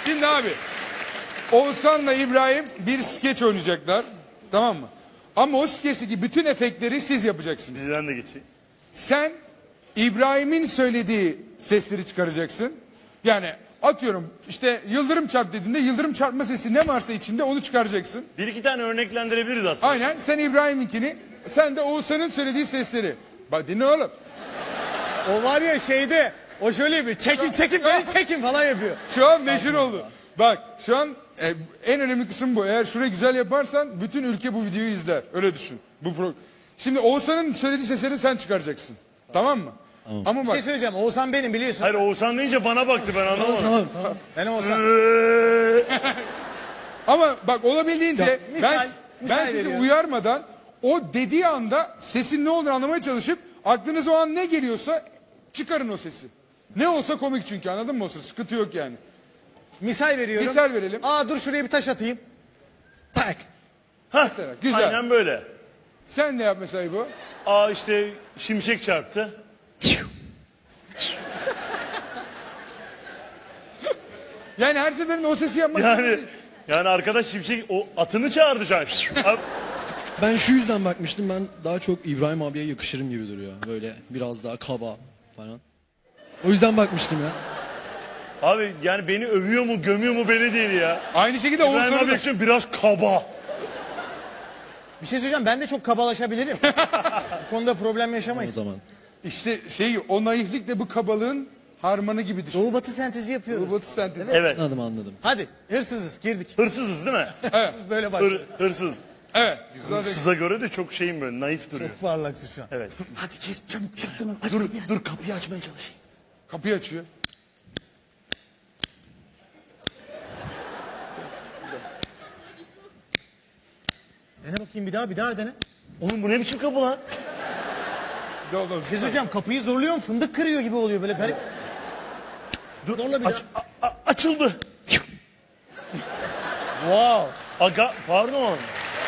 Şimdi abi, Oğuzhan'la İbrahim bir skeç oynayacaklar. Tamam mı? Ama o skeçteki bütün efektleri siz yapacaksınız. Bizden de geçeyim. Sen İbrahim'in söylediği sesleri çıkaracaksın. Yani atıyorum işte yıldırım çarp dediğinde yıldırım çarpma sesi ne varsa içinde onu çıkaracaksın. Bir iki tane örneklendirebiliriz aslında. Aynen, sen İbrahim'inkini, sen de Oğuzhan'ın söylediği sesleri. Bak dinle oğlum. O var ya şeyde, o şöyle yapıyor. Çekin beni çekin falan yapıyor. Şu an meşhur oldu. Bak şu an en önemli kısım bu. Eğer şurayı güzel yaparsan bütün ülke bu videoyu izler. Öyle düşün. Şimdi Oğuzhan'ın söylediği sesleri sen çıkaracaksın. Tamam mı? Ama Bir bak şey söyleyeceğim. Oğuzhan benim biliyorsun. Hayır Oğuzhan deyince bana baktı, ben anlamadım. Tamam. Benim Oğuzhan. ama bak olabildiğince misal ben sizi veriyorum. uyarmadan o dediği anda sesin ne olduğunu anlamaya çalışıp aklınıza o an ne geliyorsa çıkarın o sesi. Ne olsa komik çünkü, anladın mı o ses? Sıkıntı yok yani. Misal veriyorum. Misal verelim. Aa dur şuraya bir taş atayım. Tak. Mesela güzel. Aynen böyle. Sen ne yap mesela bu? Aa işte şimşek çarptı. Yani her seferinde o sesi yapmak Yani arkadaş şimşek o atını çağırdı şu an. Abi, Ben şu yüzden bakmıştım. Ben daha çok İbrahim abiye yakışırım gibi duruyor. Böyle biraz daha kaba falan. O yüzden bakmıştım ya. abi yani beni övüyor mu gömüyor mu belli değil ya. Aynı şekilde İbrahim Oğuzhan'ı abi da. için biraz kaba. Bir şey söyleyeceğim. Ben de çok kabalaşabilirim. Bu konuda problem O yaşamayız. zaman. İşte o naiflikle bu kabalığın harmanı gibidir. Doğu batı sentezi yapıyoruz. Robot sentezi. Evet. Anladım. Hadi hırsızız girdik. Hırsızız değil mi? Böyle başlıyor. Hırsız. Evet. Hırsıza göre de çok şeyim böyle naif duruyor. Çok parlaksın şu an. Evet. Hadi gir çabuk çaktırma. Dur kapıyı açmaya çalışayım. Kapıyı açıyor. Dene bakayım bir daha dene. Oğlum bu ne biçim kapı lan? Bir de oğlum. Bir şey söyleyeceğim. Kapıyı zorluyorum fındık kırıyor gibi oluyor böyle garip. Dur, Zorla bir açıldı. Wow. Aga pardon.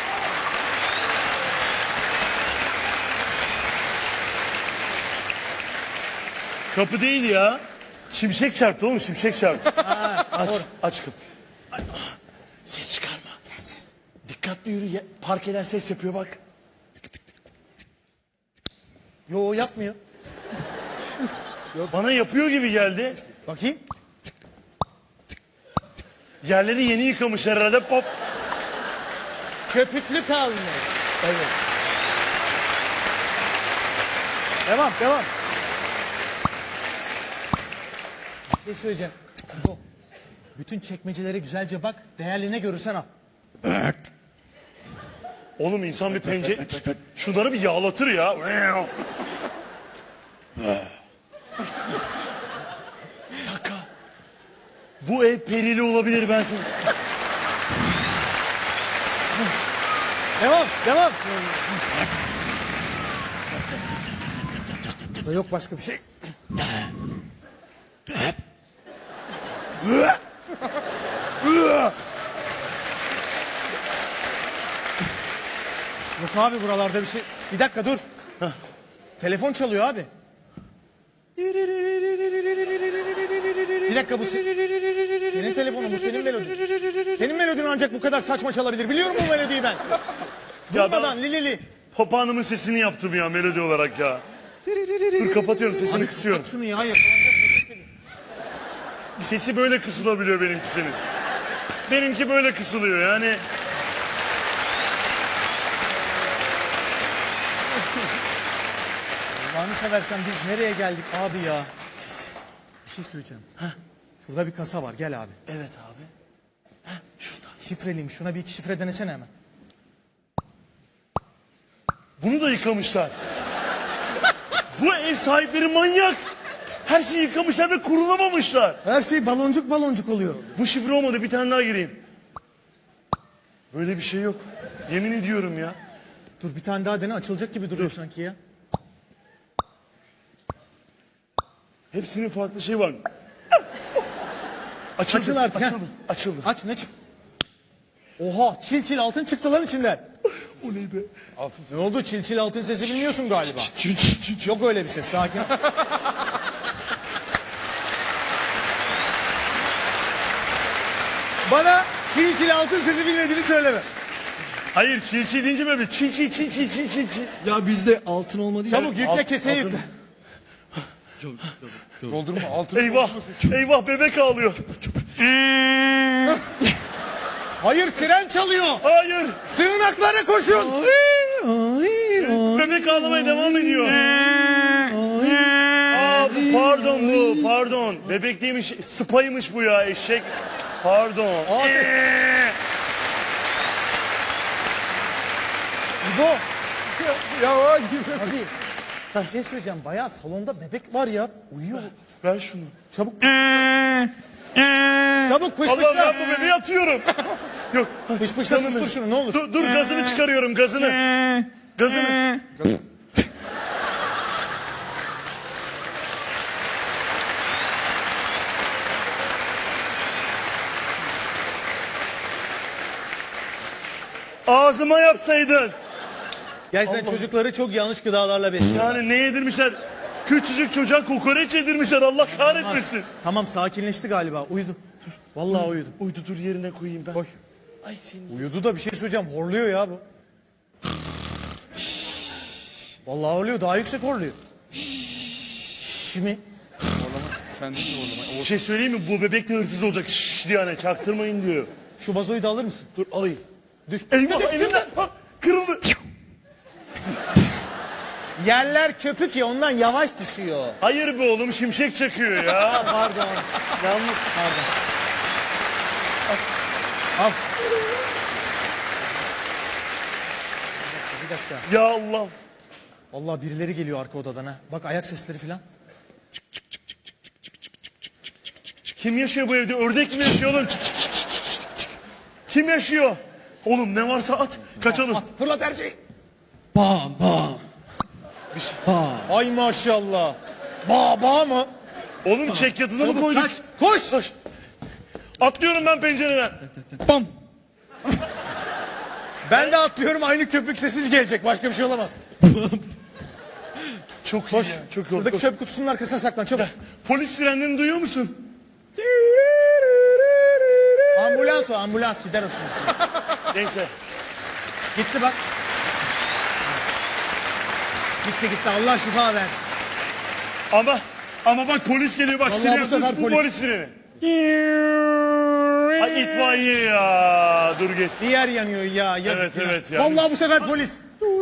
Kapı değil ya. Şimşek çarptı oğlum, şimşek çarptı. Aç kapıyı. Ses çıkarma. Sessiz. Dikkatli yürü. Parkeler ses yapıyor bak. Yo yapmıyor. Bana yapıyor gibi geldi. Bakayım. Yerleri yeni yıkamışlar herhalde. Pop. Köpüklü kalmış. Evet. Devam. Bir şey söyleyeceğim. Bu. Bütün çekmecelere güzelce bak. Değerli görürsen al. Oğlum insan bir pencere... Şunları bir yağlatır ya. Bir dakika. Bu ev perili olabilir ben sana... Devam. Burada yok başka bir şey. Yok abi buralarda bir şey. Bir dakika dur. Telefon çalıyor abi. Bir dakika bu senin telefonun, bu senin melodin. Senin melodin ancak bu kadar saçma çalabilir. Biliyorum bu melodiyi ben. Durmadan li. Papağanımın sesini yaptım ya melodi olarak ya. Dur kapatıyorum sesini kısıyorum. Şunu ya yakalanacak. Sesi böyle kısılabiliyor benimkisinin. Benimki böyle kısılıyor yani. Allah'ını seversen biz nereye geldik abi ya? Bir şey söyleyeceğim. Şurada bir kasa var gel abi. Evet abi. Şurada. Şifreliymiş şuna bir iki şifre denesene hemen. Bunu da yıkamışlar. Bu ev sahipleri manyak. Her şeyi yıkamışlar ve kurulamamışlar. Her şey baloncuk oluyor. Bu şifre olmadı, bir tane daha gireyim. Böyle bir şey yok. Yemin ediyorum ya. Dur bir tane daha dene açılacak gibi duruyor sanki ya. Hepsinin farklı şey var. Açıldı. Açıl artık, Açıldı. Açıldı. Aç ne çık? Oha çil altın çıktı lan içinden. O ne be? Ne oldu çil altın sesi bilmiyorsun galiba. Yok öyle bir ses sakin. Bana çiğ çil altın sesi bilmediğini söyleme. Hayır çil deyince böyle çil. Ya bizde altın olmadı ya. Çabuk yükle keseye yükle. Doldurma altın. Eyvah bebek ağlıyor. Hayır siren çalıyor. Hayır. Sığınaklara koşun. Bebek ağlamaya devam ediyor. Pardon. Bebek değilmiş, spaymış bu ya eşek. Pardon. İbo. Ya o gibi. Abi bir şey söyleyeceğim. Bayağı salonda bebek var ya. Uyuyor. Ver şunu. Çabuk. Çabuk pış Allah pışla. ben bu bebeği atıyorum. Yok. Pış pışla sustur şunu ne olur. Dur gazını çıkarıyorum gazını. Gazını. Ağzıma yapsaydın. Gerçekten çocukları çok yanlış gıdalarla besliyor. Yani ne yedirmişler? Küçücük çocuğa kokoreç yedirmişler Allah kahretmesin. Tamam sakinleşti galiba. Uyudu. Dur. Vallahi uyudu. Uydu dur yerine koyayım ben. Koy. Ay senin. Uyudu da bir şey söyleyeceğim. Horluyor ya bu. Vallahi horluyor. Daha yüksek horluyor. Şimdi Sen de orlama. Bir şey söyleyeyim mi? Bu bebek de hırsız olacak. Şşş diye hani çaktırmayın diyor. şu vazoyu da alır mısın? Dur alayım. Düş. Eyvah elimden. Ha, kırıldı. Yerler köpük ya ondan yavaş düşüyor. Hayır be oğlum şimşek çakıyor ya. Pardon. Yanlış. Pardon. Al. Bir dakika. Ya Allah. Vallahi birileri geliyor arka odadan ha. Bak ayak sesleri falan. Kim yaşıyor bu evde? Ördek mi yaşıyor oğlum? Kim yaşıyor? Oğlum ne varsa at. Kaçalım. Fırlat her şeyi. Bam bam. Ay maşallah. Baba mı? Oğlum çek yatını mı koyduk? Kaç. Koş. Koş. Atlıyorum ben pencereden. Bam. Ben de atlıyorum aynı köpük sesi gelecek. Başka bir şey olamaz. Çok iyi ya. Çok iyi. Şuradaki çöp kutusunun arkasına saklan çabuk. Polis sirenlerini duyuyor musun? Ambulans o ambulans gider o şimdi. Neyse. Gitti bak. Gitti Allah şifa versin. Ama bak polis geliyor bak Vallahi siren. bu sefer Bu polis. polis sireni. Ay itfaiye ya. Dur geçsin. Bir yer yanıyor ya yazık. Evet, ya. evet ya. Vallahi bu sefer polis.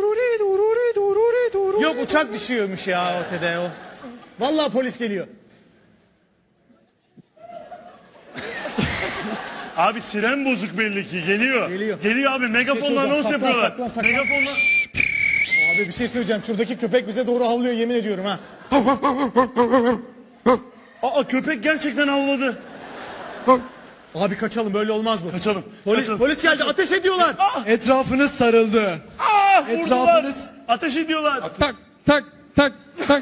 Yok uçak düşüyormuş ya ötede o. Vallahi polis geliyor. Abi siren bozuk belli ki geliyor. Geliyor. Geliyor abi megafonla söyleyeceğim. anons Saklan, yapıyorlar. saklan, saklan. Megafonla. Abi bir şey söyleyeceğim. Şuradaki köpek bize doğru havlıyor yemin ediyorum ha. Aa köpek gerçekten havladı. Abi kaçalım böyle olmaz bu. Kaçalım. Polis, kaçalım. polis geldi ateş ediyorlar. Etrafınız sarıldı. Vurdular. Etrafınız- Ateş ediyorlar. Tak tak tak tak.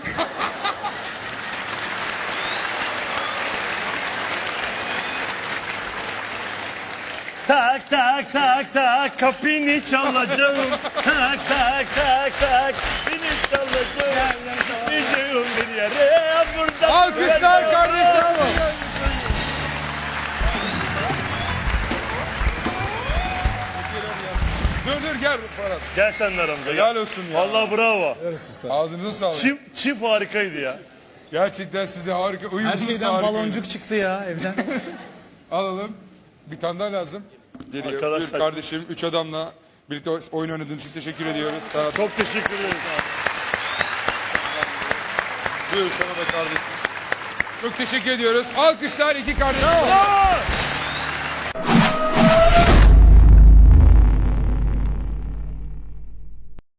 Tak tak tak tak kapını çalacağım. Tak tak tak tak kapını çalacağım. Gideceğim bir yere buradan. Alkışlar kardeşim. Dur gel Ferhat. Gel sen de aramıza. Helal Gel. olsun ya. Vallahi bravo. Ağzınıza sağlık. Çift harikaydı ya. Gerçekten siz de harika. Her Uyumlunuz şeyden harika. baloncuk çıktı ya evden. Alalım. Bir tane daha lazım. Geliyor. Arkadaşlar- Buyur kardeşim. 3 adamla birlikte oyun oynadığın için teşekkür ediyoruz. Sana Çok teşekkür ederiz. buyur sana da kardeşim. Çok teşekkür ediyoruz. Alkışlar iki kardeşim. Bravo.